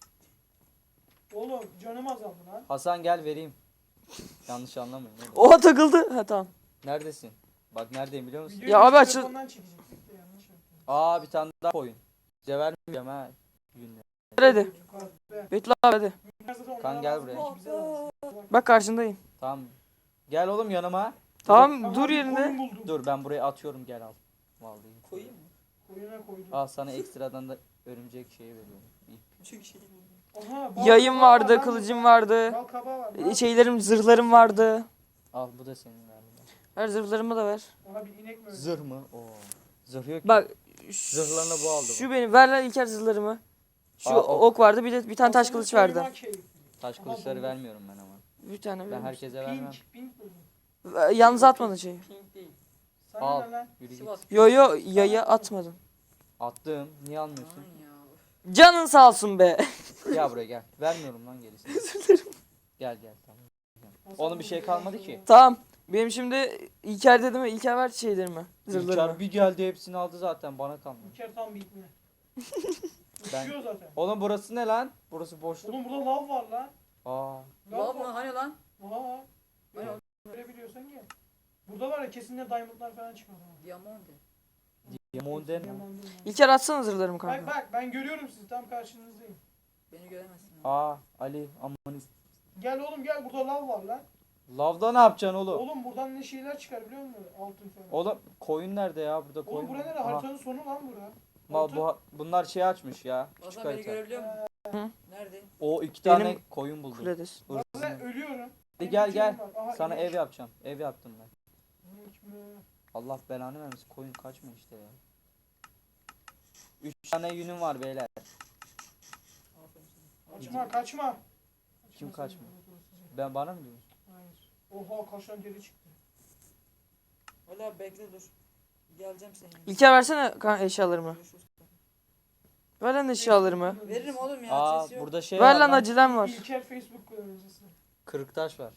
Speaker 3: Oğlum canım azaldı lan.
Speaker 4: Hasan gel vereyim. Yanlış anlamayın. oğlum.
Speaker 1: Oha takıldı. Ha tamam.
Speaker 4: Neredesin? Bak neredeyim biliyor musun?
Speaker 3: Videoyu
Speaker 1: Ya abi açıl-
Speaker 3: telefondan çekecektik de yanlış yaptım.
Speaker 4: Aa bir tane daha koyun. Size vermeyeceğim ha. Günle.
Speaker 1: Ver hadi.
Speaker 3: Yukarıda.
Speaker 1: Betül abi hadi.
Speaker 3: Zaten
Speaker 4: Kan
Speaker 3: onlara
Speaker 4: gel
Speaker 3: lazım,
Speaker 4: buraya.
Speaker 3: bize lazım.
Speaker 1: Bak karşındayım.
Speaker 4: Tamam. Gel oğlum yanıma.
Speaker 1: Tamam
Speaker 3: Tamam,
Speaker 1: dur
Speaker 3: bir
Speaker 1: yerinde.
Speaker 3: koyun buldum.
Speaker 4: Dur ben buraya atıyorum gel al. Vallahi.
Speaker 2: Koyayım mı?
Speaker 3: Koyuna koydum.
Speaker 4: Al sana ekstradan da örümcek şeyi veriyorum. İp.
Speaker 2: Küçük şey buldum.
Speaker 3: Oha, bal
Speaker 1: Yayım
Speaker 3: kabağı var
Speaker 1: vardı,
Speaker 3: lan
Speaker 1: kılıcım
Speaker 3: burada.
Speaker 1: vardı.
Speaker 3: Bal kabağı var. lan.
Speaker 1: Şeylerim, zırhlarım vardı.
Speaker 4: Al bu da senin galiba.
Speaker 1: Ver zırhlarımı da ver.
Speaker 3: Ona bir inek mi öldü?
Speaker 4: Zırh mı? Oo. Zırh yok ki.
Speaker 1: Bak.
Speaker 4: Zırhlarını bu aldı
Speaker 1: Şu
Speaker 4: bu.
Speaker 1: benim. Ver lan İlker zırhlarımı. Şu
Speaker 4: Aa, ok.
Speaker 1: ok vardı bir de bir tane taş
Speaker 3: Aslında
Speaker 1: kılıç verdi.
Speaker 3: soyma keyifli.
Speaker 4: Taş
Speaker 3: Aha,
Speaker 4: kılıçları
Speaker 3: buldum.
Speaker 4: vermiyorum ben ama.
Speaker 1: Bir tane
Speaker 4: Ben
Speaker 1: ver.
Speaker 4: herkese vermem.
Speaker 3: Pink, pink buldum.
Speaker 1: Yalnız atmadın şeyi.
Speaker 2: Pink değil.
Speaker 3: Sana
Speaker 4: Al.
Speaker 3: ne lan?
Speaker 4: Yürü git.
Speaker 2: Sivas.
Speaker 1: Yo yo yaya atmadın.
Speaker 4: Attım. Niye almıyorsun?
Speaker 2: Aman ya.
Speaker 1: Canın sağ olsun be.
Speaker 4: Gel buraya gel. Vermiyorum lan gerisini. Gel gel tamam. Oğlum bir şey kalmadı ki.
Speaker 1: Tamam. Benim şimdi İlker dedim mi? İlker ver şeylerimi. Zırhlarımı.
Speaker 4: İlker bir geldi hepsini aldı zaten bana kalmadı.
Speaker 3: İlker tam bir ipne.
Speaker 4: Ben-
Speaker 3: Uçuyor zaten.
Speaker 4: Oğlum burası ne lan? Burası boşluk.
Speaker 3: Oğlum burada lav var lan.
Speaker 4: Aa.
Speaker 2: Lav mı? Hani lan?
Speaker 3: Oha.
Speaker 2: Hani o?
Speaker 3: Görebiliyorsan gel. Burada var ya kesinlikle diamondlar falan çıkar. ha.
Speaker 2: Diamond.
Speaker 4: Diamond'en mi?
Speaker 3: Diamond değil mi?
Speaker 1: İlker atsana zırhlarımı
Speaker 3: Bak
Speaker 1: kanka.
Speaker 3: bak ben görüyorum sizi tam karşınızdayım.
Speaker 2: Beni göremezsin. lan.
Speaker 4: Aa Ali aman is-
Speaker 3: Gel oğlum gel burada lav var lan.
Speaker 4: Lavda ne yapacaksın oğlum?
Speaker 3: Oğlum buradan ne şeyler çıkar biliyor musun? Altın falan.
Speaker 4: Oğlum koyun nerede ya? Burada koyun.
Speaker 3: Oğlum bura nere?
Speaker 4: Aha.
Speaker 3: Haritanın sonu lan bura.
Speaker 4: Ma, bu, bunlar şey açmış ya. Küçük
Speaker 2: Hasan beni
Speaker 4: harita.
Speaker 2: görebiliyor musun?
Speaker 1: Hı.
Speaker 2: Nerede?
Speaker 4: O iki tane
Speaker 1: Benim-
Speaker 4: koyun buldum.
Speaker 1: Kuledesin.
Speaker 3: Bak
Speaker 4: Hırsızın.
Speaker 3: ben ölüyorum.
Speaker 4: Hadi gel
Speaker 3: Benim
Speaker 4: gel.
Speaker 3: canım var. Aha,
Speaker 4: Sana
Speaker 3: inek.
Speaker 4: ev yapacağım. Ev yaptım ben.
Speaker 3: İnek mi?
Speaker 4: Allah belanı vermesin. Koyun kaçma işte ya. Üç tane yünüm var beyler.
Speaker 2: Aferin sana.
Speaker 3: Kaçma kaçma.
Speaker 4: Kim
Speaker 3: Kaçma
Speaker 4: kaçma?
Speaker 3: sen.
Speaker 4: Ben bana mı diyorsun?
Speaker 3: Hayır. Oha kaç tane deri çıktı.
Speaker 2: Ali abi bekle dur. Geleceğim senin. yanına.
Speaker 1: İlker versene kan- eşyalarımı.
Speaker 2: Görüşürüz.
Speaker 1: Ver lan eşyalarımı.
Speaker 2: Veririm oğlum ya.
Speaker 4: Aa
Speaker 2: Ses yok.
Speaker 4: burada şey
Speaker 1: Ver
Speaker 4: var
Speaker 1: lan
Speaker 4: lan.
Speaker 1: acelem var.
Speaker 3: İlker Facebook kullanıcısı.
Speaker 4: Kırık taş var.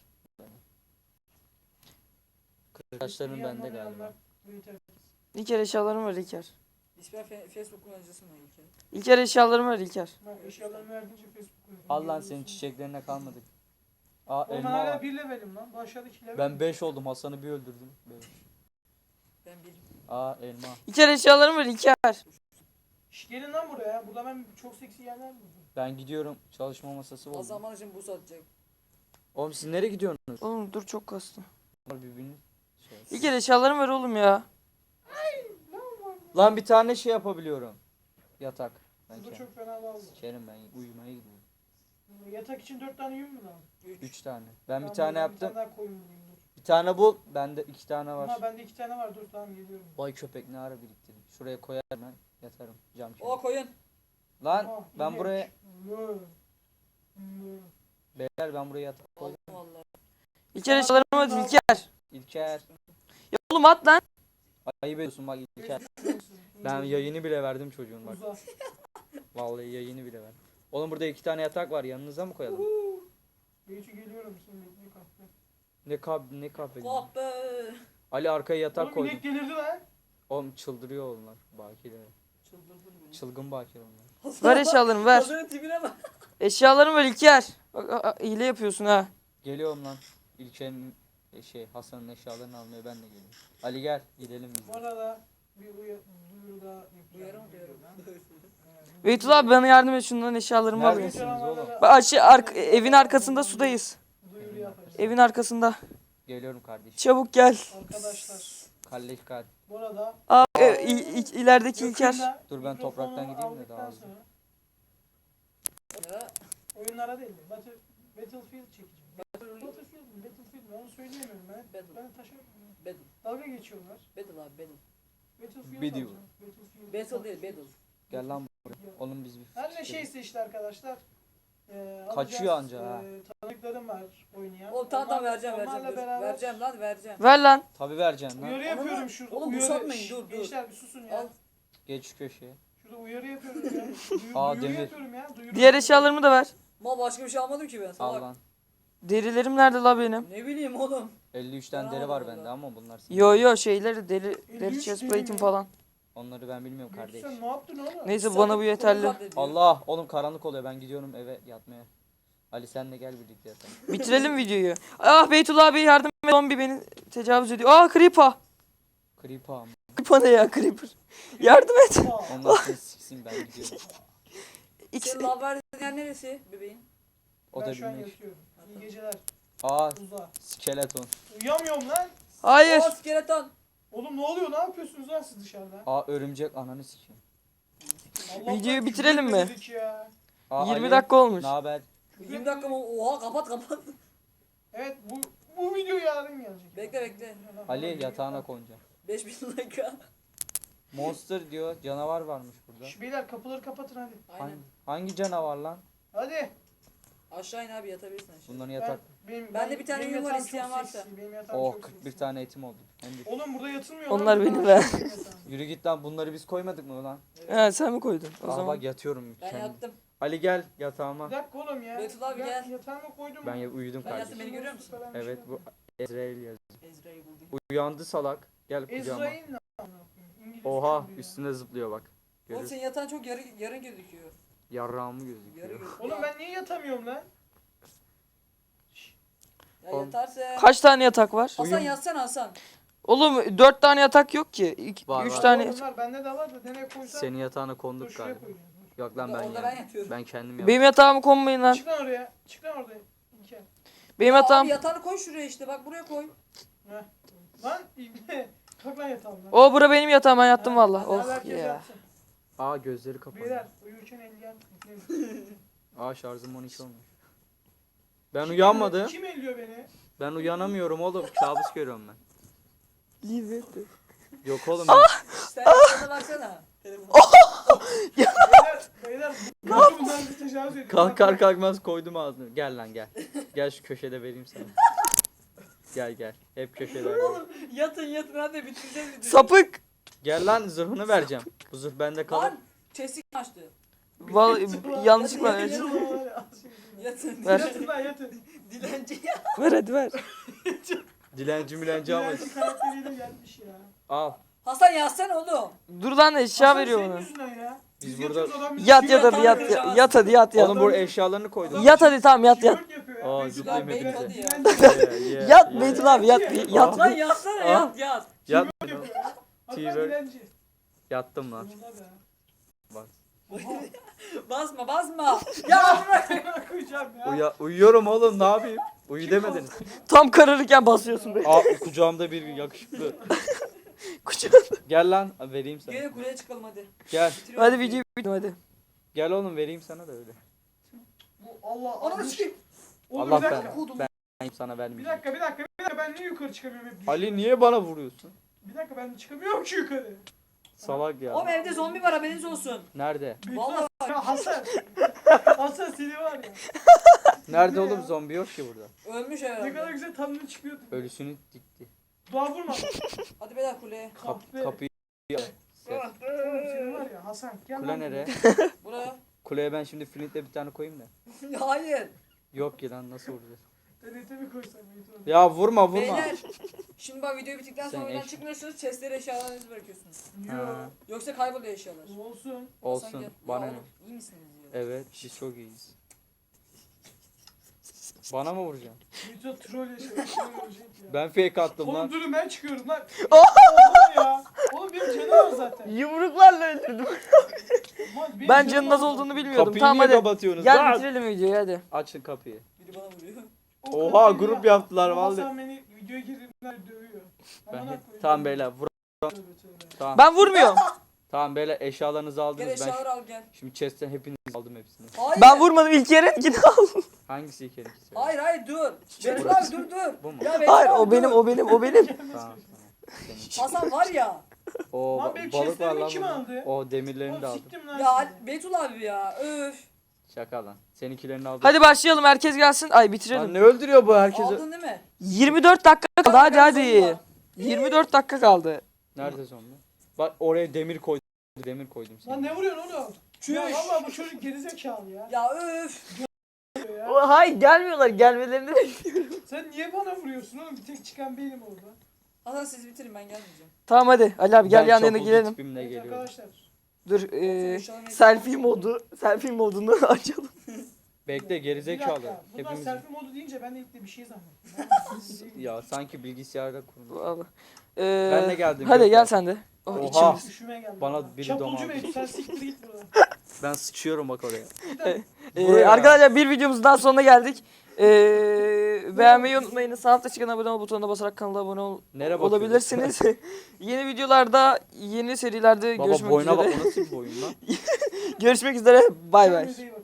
Speaker 4: Kırık taşların bende galiba.
Speaker 1: İlker eşyalarımı ver İlker.
Speaker 2: İsper fe- Facebook kullanıcısı mı İlker?
Speaker 1: İlker eşyalarımı ver İlker.
Speaker 3: Bak eşyalarını verdince Facebook kullanıcısı.
Speaker 4: Al lan senin çiçeklerine kalmadık. Aa
Speaker 3: Oğlum ben
Speaker 4: elma
Speaker 3: hala
Speaker 4: var.
Speaker 3: bir levelim lan. Bu aşağıdaki level.
Speaker 4: Ben beş oldum. Hasan'ı bir öldürdüm. Beş.
Speaker 2: Ben bir.
Speaker 4: Aa elma.
Speaker 1: İlker eşyalarımı ver İlker.
Speaker 3: Şş, gelin lan buraya. Burada ben çok seksi yerler buldum.
Speaker 4: Ben gidiyorum. Çalışma masası
Speaker 2: O
Speaker 4: buldum.
Speaker 2: zaman için bu satacak.
Speaker 4: Oğlum siz nereye gidiyorsunuz?
Speaker 1: Oğlum dur çok kastı.
Speaker 4: Birbirini şey.
Speaker 1: İlker eşyalarımı ver oğlum ya.
Speaker 4: Lan bir tane şey yapabiliyorum. Yatak. Ben
Speaker 3: Burada
Speaker 4: kendim.
Speaker 3: çok fena lazım.
Speaker 4: Kerim ben uyumaya gidiyorum.
Speaker 3: Yatak için dört tane yün mü lazım?
Speaker 2: Üç.
Speaker 4: Üç tane. Ben bir
Speaker 3: Tamam,
Speaker 4: tane
Speaker 3: ben
Speaker 4: yaptım.
Speaker 3: Bir tane daha koyun bulayım dur.
Speaker 4: Bir tane bul. Bende iki tane var.
Speaker 3: Ama bende iki tane var dur tamam geliyorum.
Speaker 4: Vay köpek ne ara biriktirdim. Şuraya koyarım ben. Yatarım. Cam kenarı.
Speaker 2: O koyun.
Speaker 4: Lan
Speaker 3: Aha,
Speaker 4: ben
Speaker 3: inek.
Speaker 4: buraya
Speaker 3: Mö. Mö.
Speaker 4: beyler ben buraya yatak koydum.
Speaker 2: Aldım valla.
Speaker 1: İlker eşyalarımı ver İlker.
Speaker 4: İlker.
Speaker 1: Ya oğlum at lan.
Speaker 4: Ayıp ediyorsun bak İlker. Ben yayını bile verdim çocuğun bak.
Speaker 3: Uza.
Speaker 4: Vallahi yayını bile verdim. Oğlum burada iki tane yatak var. Yanınıza mı koyalım?
Speaker 3: Beyci geliyorum şimdi bekle kahve.
Speaker 4: Ne kab ne kahve.
Speaker 2: Kahpe.
Speaker 4: Ali arkaya yatak
Speaker 3: Oğlum
Speaker 4: koydu.
Speaker 3: inek delirdi lan.
Speaker 4: Oğlum çıldırıyor onlar. Bakiler.
Speaker 2: Çıldırdın beni.
Speaker 4: Çılgın bakir onlar.
Speaker 1: Ver eşyalarımı ver.
Speaker 2: Hasan'ın tipine bak.
Speaker 1: Eşyalarımı ver İlker. Bak, a- a- hile yapıyorsun ha.
Speaker 4: Geliyorum lan. İlker'in e, şey Hasan'ın eşyalarını almaya ben de geliyorum. Ali gel gidelim biz.
Speaker 3: Bu
Speaker 4: de.
Speaker 3: arada bir uya duyuru daha yapacağım.
Speaker 2: Duyarım duyarım.
Speaker 1: Beytul abi bana yardım et şundan eşyalarımı alayım.
Speaker 4: Neredesiniz oğlum?
Speaker 1: Bak aşı ark evin arkasında sudayız.
Speaker 3: Duyuru yapacağız.
Speaker 1: Evin arkasında.
Speaker 4: Geliyorum kardeşim.
Speaker 1: Çabuk gel.
Speaker 3: Arkadaşlar
Speaker 4: Kalleş kal.
Speaker 3: bu arada
Speaker 1: Aa, e, i- i- ilerideki İlker.
Speaker 3: yakında
Speaker 4: Dur ben
Speaker 3: mikrofonu
Speaker 4: topraktan gideyim de
Speaker 3: aldıktan
Speaker 4: daha hızlı.
Speaker 3: sonra
Speaker 2: Ya.
Speaker 3: oyunlara değil de Battle, Battlefield çekeceğim. Battlefield mi? Battlefield mi? Onu söyleyemiyorum ben.
Speaker 2: Battle.
Speaker 3: Ben taşa
Speaker 2: Battle.
Speaker 3: dalga geçiyorlar.
Speaker 2: Battle abi battle.
Speaker 3: Battlefield
Speaker 4: Video.
Speaker 3: alacağım. Battlefield.
Speaker 2: Battle değil battle.
Speaker 4: Gel lan buraya. Oğlum biz bir
Speaker 3: Her ne şeyse işte arkadaşlar. Ee,
Speaker 4: Kaçıyor
Speaker 3: alacağız.
Speaker 4: anca ha.
Speaker 3: Ee, tanıdıklarım var oynayan.
Speaker 2: Oğlum tamam tamam
Speaker 3: Onlar-
Speaker 2: vereceğim vereceğim.
Speaker 3: onlarla
Speaker 2: dur.
Speaker 3: beraber
Speaker 2: Vereceğim lan vereceğim.
Speaker 1: Ver lan.
Speaker 4: Tabi vereceksin lan.
Speaker 3: Uyarı
Speaker 2: Ama
Speaker 3: yapıyorum
Speaker 2: lan,
Speaker 3: şurada.
Speaker 2: oğlum
Speaker 3: uyarı.
Speaker 2: uzatmayın,
Speaker 3: Şşş,
Speaker 2: dur, dur.
Speaker 3: Gençler bir susun ya.
Speaker 2: Al.
Speaker 4: Geç şu köşeye.
Speaker 3: Şurada uyarı yapıyorum ya. Duyu,
Speaker 4: Aa,
Speaker 3: duyuru
Speaker 4: demir.
Speaker 3: yapıyorum ya. Duyuru.
Speaker 1: Diğer eşyalarımı da ver.
Speaker 2: Mal başka bir şey almadım ki ben
Speaker 4: Al
Speaker 2: salak.
Speaker 4: lan.
Speaker 1: Derilerim nerede la benim?
Speaker 2: Ne bileyim oğlum.
Speaker 4: elli üçten
Speaker 2: Ben
Speaker 4: deri var
Speaker 2: almadım
Speaker 4: bende
Speaker 2: da.
Speaker 4: ama bunlar senin.
Speaker 1: Yo yo şeyleri deri
Speaker 3: elli
Speaker 1: deri
Speaker 3: üç
Speaker 1: chest
Speaker 3: deri
Speaker 1: plate'im
Speaker 3: mi?
Speaker 1: falan.
Speaker 4: Onları ben bilmiyorum
Speaker 3: Göksu
Speaker 4: kardeş.
Speaker 3: sen ne yaptın oğlum?
Speaker 1: Neyse
Speaker 2: Sen
Speaker 1: bana bu
Speaker 2: konu
Speaker 1: yeterli.
Speaker 2: katlediyor.
Speaker 4: Allah oğlum karanlık oluyor ben gidiyorum eve yatmaya. Ali sen de gel birlikte yatalım.
Speaker 1: Bitirelim videoyu. Ah Beytullah abi yardım et. Zombi beni tecavüz ediyor. Ah Creeper.
Speaker 4: Creeper mı?
Speaker 1: Creeper ne ya Creeper? Yardım et.
Speaker 3: Aa,
Speaker 4: Onlar seni siksin ben gidiyorum.
Speaker 1: İkisi
Speaker 2: Senin lav verdiğin yer neresi bebeğin?
Speaker 4: O
Speaker 3: ben
Speaker 4: da
Speaker 3: şu an
Speaker 4: bilmiş.
Speaker 3: yatıyorum. İyi geceler.
Speaker 4: Aa
Speaker 3: Uza.
Speaker 4: skeleton.
Speaker 3: Uyuyamıyorum lan.
Speaker 1: Hayır.
Speaker 2: Oo skeleton.
Speaker 3: Oğlum ne oluyor? Ne yapıyorsunuz lan siz dışarıda?
Speaker 4: Aa örümcek ananı sikeyim.
Speaker 3: Allah'tan
Speaker 1: Videoyu
Speaker 3: küfür
Speaker 1: bitirelim mi?
Speaker 3: etmedik ya.
Speaker 4: Aa,
Speaker 1: yirmi
Speaker 4: Ali,
Speaker 1: dakika olmuş.
Speaker 4: Ne haber?
Speaker 2: yirmi dakika mı? Oha kapat kapat.
Speaker 3: Evet bu bu video yarın gelecek.
Speaker 2: Bekle bekle.
Speaker 4: Ali yatağına konacağım.
Speaker 2: beş bin dakika.
Speaker 4: Monster diyor canavar varmış burada.
Speaker 3: Şş, beyler kapıları kapatın hadi.
Speaker 2: Aynen.
Speaker 4: Hangi, hangi canavar lan?
Speaker 3: Hadi.
Speaker 2: Aşağı in abi yatabilirsin aşağı.
Speaker 4: Bunların yatak.
Speaker 3: Ben, benim,
Speaker 2: Bende bir tane
Speaker 3: benim
Speaker 2: yün var,
Speaker 3: yatağım
Speaker 2: isteyen
Speaker 3: çok
Speaker 2: varsa.
Speaker 3: seksi, benim yatağım
Speaker 4: Oh
Speaker 3: çok
Speaker 4: kırk bir
Speaker 3: seksi.
Speaker 4: tane etim oldu. Hem de-
Speaker 3: Oğlum burada yatılmıyor.
Speaker 1: Onlar
Speaker 3: lan,
Speaker 1: benim
Speaker 3: bunlar
Speaker 1: be.
Speaker 3: benim yatağım.
Speaker 4: Yürü git lan bunları biz koymadık mı lan?
Speaker 1: Ha, sen mi koydun? O
Speaker 4: Aa
Speaker 1: zaman.
Speaker 4: bak yatıyorum.
Speaker 2: Ben
Speaker 4: kendim.
Speaker 2: yattım.
Speaker 4: Ali gel yatağıma.
Speaker 3: Bir dakika oğlum ya.
Speaker 2: Betül abi
Speaker 3: Ya-
Speaker 2: gel.
Speaker 3: Yatağıma koydum.
Speaker 4: Ben ya- uyudum
Speaker 2: Ben
Speaker 4: kardeşim.
Speaker 2: yattım, beni görüyor musun?
Speaker 3: Falan bir şey
Speaker 4: Evet bu Ezreal yaz.
Speaker 2: Ezra'yı buldum.
Speaker 4: Uyandı salak. Gel kucağıma.
Speaker 3: Ezrail ne amına koyayım? İngiliz
Speaker 4: Oha
Speaker 3: çocuğu ya.
Speaker 4: üstüne zıplıyor bak.
Speaker 2: Oğlum
Speaker 4: Görüyor.
Speaker 2: senin yatağın çok yarı, yarın gözüküyor.
Speaker 4: Yarrağımı
Speaker 2: Yarı
Speaker 4: gözüküyor.
Speaker 2: gözüküyor.
Speaker 3: Oğlum ben niye yatamıyorum lan?
Speaker 2: Ya
Speaker 4: Oğlum.
Speaker 2: yatarsa.
Speaker 1: Kaç tane yatak var?
Speaker 2: Hasan
Speaker 4: Uyum-
Speaker 2: yatsana Hasan.
Speaker 1: Oğlum dört tane yatak yok ki. İki,
Speaker 4: Var,
Speaker 1: üç
Speaker 4: var.
Speaker 1: tane
Speaker 3: Oğlum
Speaker 1: yatak.
Speaker 3: var bende de var da nereye koysam.
Speaker 4: Senin yatağına
Speaker 3: Dur
Speaker 4: konduk
Speaker 3: şuraya
Speaker 4: galiba.
Speaker 3: koyayım.
Speaker 4: Yok lan
Speaker 2: Orada-
Speaker 4: ben
Speaker 2: orada ben
Speaker 4: yani.
Speaker 2: yatıyorum.
Speaker 4: Ben kendim yaptım.
Speaker 1: Benim yatağımı konmayın lan.
Speaker 3: Çık lan oraya. Çık lan oraya. İlker.
Speaker 1: Benim
Speaker 2: Aa,
Speaker 1: yatağım.
Speaker 2: Abi yatağını koy şuraya işte bak buraya koy.
Speaker 3: Heh. Lan İlker. Kalk lan yatağım lan.
Speaker 1: O bura benim yatağım ben yattım
Speaker 3: Ha,
Speaker 1: valla.
Speaker 3: hadi
Speaker 1: Oh
Speaker 3: herkes
Speaker 1: ya.
Speaker 3: yatsın.
Speaker 4: Aa gözleri kapalı.
Speaker 3: Beyler uyurken elleyen üfleyin.
Speaker 4: Aa şarjım on iki olmuş. Ben uyanmadım.
Speaker 3: Kim elliyor beni?
Speaker 4: Ben uyanamıyorum oğlum. Kabus görüyorum ben.
Speaker 1: Leave it.
Speaker 4: Yok oğlum.
Speaker 2: Sen yatağına baksana. Telefon.
Speaker 3: Beyler, beyler bu bundan bir tecavüz ediyor.
Speaker 4: Kalkar kalkmaz koydum ağzını. Gel lan gel. Gel şu köşede vereyim sana. Gel gel. Hep köşelerde.
Speaker 2: Oğlum yatın yatın hadi bitireceğiz videoyu.
Speaker 1: Sapık.
Speaker 4: Gel lan zırhını vereceğim. Bu zırh bende kalır.
Speaker 2: Lan chest'i açtı.
Speaker 1: Vallahi yanlışlıkla
Speaker 2: Yatın,
Speaker 1: ver.
Speaker 2: yatın, Yatın.
Speaker 1: Ver.
Speaker 3: Yatın lan yatın.
Speaker 2: Dilenci ya.
Speaker 1: Ver hadi ver.
Speaker 4: Dilenci milenci ama.
Speaker 3: Dilenci karakteriyle gelmiş ya.
Speaker 4: Al.
Speaker 2: Hasan yatsana oğlum.
Speaker 1: Dur lan eşya
Speaker 3: Hasan
Speaker 1: veriyor
Speaker 3: senin
Speaker 1: bana.
Speaker 3: yüzünden ya.
Speaker 4: Biz
Speaker 3: Biz
Speaker 4: burada-
Speaker 3: yatıyoruz, adam bizi
Speaker 1: Yat
Speaker 3: çiğ
Speaker 1: yat hadi
Speaker 3: yatan
Speaker 1: yat.
Speaker 3: ya.
Speaker 1: Yat, yat hadi yat yat.
Speaker 4: Oğlum buraya eşyalarını koydum.
Speaker 1: Yat hadi tamam yat yat.
Speaker 3: Çığlık yapıyor ya.
Speaker 4: Aa,
Speaker 3: Beytullah
Speaker 4: zıplayayım
Speaker 3: Bey,
Speaker 4: hepinize.
Speaker 3: dilenci
Speaker 4: Yeah, yeah,
Speaker 1: Yat
Speaker 4: yeah.
Speaker 1: Beytullah abi yat bir yat.
Speaker 2: Lan yatsana
Speaker 4: Aa.
Speaker 2: yat yat.
Speaker 4: Yat.
Speaker 3: yapıyor ya. Hasan
Speaker 4: T-Rex.
Speaker 3: dilenci.
Speaker 4: Yattım lan.
Speaker 3: Sonunda be.
Speaker 4: Bak.
Speaker 2: Basma basma. Ya bırak.
Speaker 3: Oha. Koyacağım ya.
Speaker 4: Uya uyuyorum oğlum ne yapayım? Uyu demediniz.
Speaker 1: Tam kararırken basıyorsun be.
Speaker 4: Aa kucağımda bir yakışıklı.
Speaker 1: Kucağına.
Speaker 4: Gel lan vereyim sana.
Speaker 2: Gelin kuleye çıkalım hadi.
Speaker 4: Gel.
Speaker 2: Bitiriyoruz
Speaker 1: Hadi videoyu bitir hadi.
Speaker 4: Gel oğlum vereyim sana da öyle.
Speaker 3: Bu Allah
Speaker 2: Ananı
Speaker 3: Allah.
Speaker 2: sikeyim.
Speaker 3: Oğlum
Speaker 4: Allah
Speaker 3: bir dakika.
Speaker 4: ben, ben sana
Speaker 3: Bir
Speaker 4: vermeyeceğim.
Speaker 3: dakika bir dakika bir dakika ben niye yukarı çıkamıyorum hep düşüyorum.
Speaker 4: Ali niye bana vuruyorsun?
Speaker 3: Bir dakika ben çıkamıyorum ki yukarı.
Speaker 4: Salak ya.
Speaker 2: Oğlum evde zombi var haberiniz olsun.
Speaker 4: Nerede?
Speaker 2: Vallahi
Speaker 3: Ya Hasan. Hasan seni var ya.
Speaker 4: Nerede
Speaker 3: Ne
Speaker 4: oğlum
Speaker 3: ya?
Speaker 4: zombi yok ki burada.
Speaker 2: ölmüş
Speaker 3: Ne kadar
Speaker 2: herhalde.
Speaker 3: güzel tanrı çıkıyordu.
Speaker 4: Ölüsünü dikti.
Speaker 3: Dua vurma.
Speaker 2: Hadi beyler kuleye.
Speaker 4: Kap,
Speaker 3: Kahve.
Speaker 4: kapıyı
Speaker 3: Oğlum senin var ya Hasan. Gel
Speaker 4: Kule
Speaker 3: lan
Speaker 4: nereye?
Speaker 3: buraya.
Speaker 2: Buraya.
Speaker 4: Kuleye ben şimdi flintle bir tane koyayım da.
Speaker 2: Hayır.
Speaker 4: Yok ki lan nasıl vuracağız?
Speaker 3: T N T mi koysam? Beytullah?
Speaker 4: Ya vurma vurma.
Speaker 2: Beyler. Şimdi bak video bittikten
Speaker 4: Sen
Speaker 2: sonra oyundan
Speaker 4: eş-
Speaker 2: çıkmıyorsunuz. Chestleri eşyalarınızı bırakıyorsunuz.
Speaker 3: Yo.
Speaker 4: Ha.
Speaker 2: Yoksa kayboluyor eşyalar.
Speaker 3: Olsun.
Speaker 2: Hasan
Speaker 4: Olsun.
Speaker 2: gel.
Speaker 4: Bana
Speaker 2: Ya
Speaker 4: ne?
Speaker 2: oğlum, İyi misiniz ya?
Speaker 4: Evet biz çok iyiyiz. Bana mı vuracaksın?
Speaker 3: Beytullah troll yaşıyor. troll olacak ya.
Speaker 4: Ben fake attım
Speaker 3: Oğlum
Speaker 4: lan.
Speaker 3: durun ben çıkıyorum lan. Oğlum ya. Oğlum benim canım var zaten.
Speaker 1: Yumruklarla öldürdüm.
Speaker 3: Ulan benim
Speaker 1: Ben
Speaker 3: canım
Speaker 1: canın
Speaker 3: var
Speaker 1: nasıl
Speaker 3: zaten.
Speaker 1: olduğunu bilmiyordum.
Speaker 4: Kapıyı
Speaker 1: Tamam
Speaker 4: niye
Speaker 1: hadi.
Speaker 4: kapatıyorsunuz
Speaker 1: Gel
Speaker 4: lan?
Speaker 1: bitirelim videoyu hadi.
Speaker 4: Açın kapıyı.
Speaker 2: Biri bana vuruyor.
Speaker 3: O
Speaker 4: Oha,
Speaker 3: kadar
Speaker 4: grup
Speaker 3: ya.
Speaker 4: yaptılar
Speaker 3: Ama
Speaker 4: vallahi.
Speaker 3: Hasan beni videoya girdiğinden dövüyor.
Speaker 4: Ben
Speaker 3: Amına
Speaker 4: hep...
Speaker 3: koyayım.
Speaker 4: Tamam beyler vur.
Speaker 3: Tövbe tövbe.
Speaker 4: Tamam.
Speaker 1: Ben vurmuyorum.
Speaker 4: Tamam beyler eşyalarınızı
Speaker 2: Gel
Speaker 4: aldınız. Ben
Speaker 2: eşyaları al gel.
Speaker 4: şimdi chest'ten hepiniz aldım hepsini.
Speaker 2: Hayır.
Speaker 1: Ben vurmadım ilk yerin al.
Speaker 4: Hangisi ilk ikisi?
Speaker 2: Hayır hayır dur. Betül
Speaker 4: Burası.
Speaker 2: abi dur dur.
Speaker 4: Bu mu?
Speaker 2: Ya Betül
Speaker 1: Hayır
Speaker 2: abi,
Speaker 1: o benim
Speaker 2: dur.
Speaker 1: o benim o benim.
Speaker 4: Tamam tamam. Senin.
Speaker 2: Hasan var ya.
Speaker 4: O
Speaker 3: Lan
Speaker 4: ba-
Speaker 3: benim
Speaker 4: balık var
Speaker 3: chestlerimi
Speaker 4: lan
Speaker 3: kim
Speaker 4: burada.
Speaker 3: aldı?
Speaker 4: O demirlerini de
Speaker 3: Oğlum
Speaker 4: aldım.
Speaker 3: siktim lan
Speaker 2: Ya
Speaker 3: sizi.
Speaker 2: Betül abi ya. Öf.
Speaker 4: Şaka lan. Seninkilerini aldım.
Speaker 1: Hadi başlayalım, herkes gelsin. Ay bitirelim.
Speaker 4: Lan ne öldürüyor bu herkesi?
Speaker 2: Aldın değil mi?
Speaker 1: yirmi dört dakika kaldı, hadi
Speaker 2: Biraz
Speaker 1: hadi.
Speaker 2: sonra.
Speaker 1: yirmi dört dakika kaldı.
Speaker 4: Nerede zombi? Bak oraya demir koydum. Demir koydum
Speaker 3: Lan
Speaker 4: seni.
Speaker 3: ne vuruyorsun oğlum?
Speaker 2: Çüş.
Speaker 3: Ya valla bu çocuk gerizekalı ya.
Speaker 2: Ya öf.
Speaker 3: ya.
Speaker 1: O, hayır gelmiyorlar, gelmelerini bekliyorum.
Speaker 3: Sen niye bana vuruyorsun oğlum? Bir tek çıkan benim orada.
Speaker 2: Hasan siz bitirin ben gelmeyeceğim.
Speaker 1: Tamam hadi Ali abi gel
Speaker 4: Ben
Speaker 1: yan yana
Speaker 4: çapulcu
Speaker 1: girelim.
Speaker 4: tipimle
Speaker 3: Evet
Speaker 4: geliyorum.
Speaker 3: arkadaşlar.
Speaker 1: Dur e,
Speaker 2: Eşyalarını
Speaker 1: selfie modu, selfie modunu açalım.
Speaker 4: Bekle
Speaker 3: Bir
Speaker 4: gerizekalı.
Speaker 3: dakika. Bunlar
Speaker 4: Hepimiz...
Speaker 3: selfie modu deyince ben de ilk de bir şey zannettim.
Speaker 4: Ya sanki bilgisayarda kurulu.
Speaker 1: Vallahi. Ee,
Speaker 4: Ben de geldim,
Speaker 1: Hadi
Speaker 4: yok
Speaker 1: gel
Speaker 4: ya.
Speaker 1: sen de. Oh,
Speaker 4: Oha.
Speaker 1: içimiz.
Speaker 3: Üşüme geldi.
Speaker 4: Bana
Speaker 3: bana.
Speaker 4: biri
Speaker 3: Çapulcu
Speaker 4: domaldı.
Speaker 3: Bey sen siktir git buradan.
Speaker 4: Ben sıçıyorum bak oraya.
Speaker 1: Ee,
Speaker 4: Buraya.
Speaker 1: arkadaşlar bir videomuzun daha sonuna geldik. Ee, beğenmeyi unutmayın. Sağ altta çıkan abone ol butonuna basarak kanala abone ol
Speaker 4: Nereye bakıyorsun?
Speaker 1: olabilirsiniz. Yeni videolarda, yeni serilerde
Speaker 4: Baba
Speaker 1: görüşmek
Speaker 4: boyuna bak
Speaker 1: üzere.
Speaker 4: o nasıl bir boyun lan?
Speaker 1: Görüşmek üzere. Bay bay.
Speaker 3: Kendinize iyi bakın.